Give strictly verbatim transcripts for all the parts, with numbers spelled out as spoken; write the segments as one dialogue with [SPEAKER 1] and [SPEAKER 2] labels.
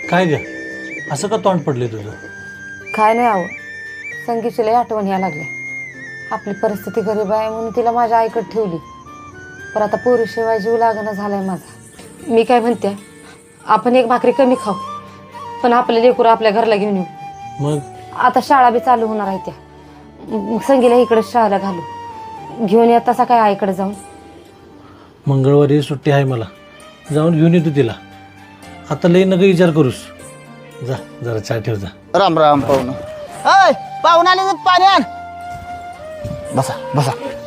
[SPEAKER 1] काय ग असं का तोंड पडले तुझं?
[SPEAKER 2] काय नाही आहो, संगीची लय आठवण या लागल्या. आपली परिस्थिती गरीब आहे म्हणून तिला माझ्या आईकडे ठेवली, पण आता पोरीशिवाय जीव लागणं झालाय माझा. मी काय म्हणते, आपण एक भाकरी कमी खाऊ, पण आपले लेकरं आपल्या घरला घेऊन येऊ.
[SPEAKER 1] मग
[SPEAKER 2] आता शाळा बी चालू होणार आहे त्या, मग संगीला इकडे शाळेला घालू. घेऊन येत तसा काय आईकडे जाऊन.
[SPEAKER 1] मंगळवारी सुट्टी आहे मला, जाऊन घेऊन येतो तिला. आता लई नका विचार करूस. जा जरा चहा ठेव जा.
[SPEAKER 3] राम राम पाहुणं. अय पाहुणं आले तर पाणी आण. बसा बसा.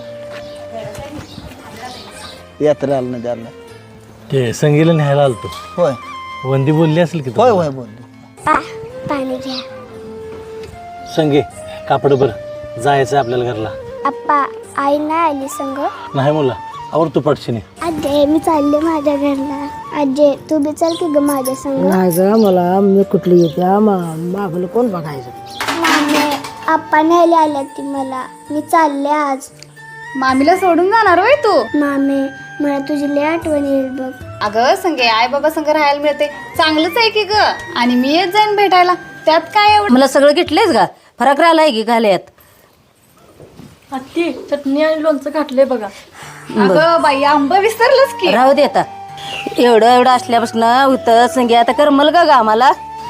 [SPEAKER 3] यात्रा आलं नाही आलं.
[SPEAKER 1] ते संगीला न्यायला आलतो.
[SPEAKER 3] होय
[SPEAKER 1] वंदी बोलली असेल की
[SPEAKER 3] होय होय बोल.
[SPEAKER 4] पाणी घ्या.
[SPEAKER 1] संगे कापड बरं, जायचं आपल्याला घरला.
[SPEAKER 4] आप्पा आई नाही आली संग.
[SPEAKER 1] नाही मुला आवर तू पटशीने.
[SPEAKER 4] आजे मी चालले माझ्या घरला. आजे तू बी चल की ग माझ्या संग.
[SPEAKER 5] नाही ग, मला मी कुठली येते मागलं कोण बघायचं.
[SPEAKER 4] मामे आप्पा न्यायला आल्या ती मला. मी चालले आज.
[SPEAKER 6] मामीला सोडून जाणार होय तू?
[SPEAKER 4] मामे मला तुझी लय आठवण येईल बघ.
[SPEAKER 6] अगं संगे आई बाबा संग राहायला मिळते, चांगलंच आहे की ग. आणि मी येत जाईन भेटायला, त्यात काय एवढं.
[SPEAKER 5] मला सगळं घेतलेच का, फरक राहिलाय की घाल्यात.
[SPEAKER 7] अत्ती चटणी आणि लोणचं घातलंय बघा.
[SPEAKER 6] अगं बाई आंब विसरलंच की.
[SPEAKER 5] राहू दे आता, एवढं एवढं असल्यापासून होतं संगे. आता करमल का ग आम्हाला.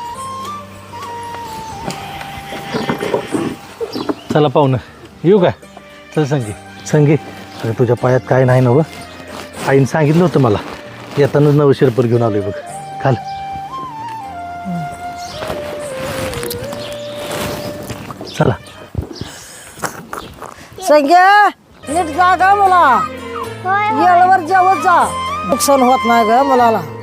[SPEAKER 1] चला पाहुणं येऊ का? चल संगी. संगी अरे तुझ्या पायात काय नाही ना व? आईने सांगितलं होतं मला, येतानाच नवं शिरपर घेऊन आलोय बघ. खाल. चला.
[SPEAKER 5] संग्या नीट जा ग मला, येळवर जेवत जा. नुकसान होत नाही ग मुलाला.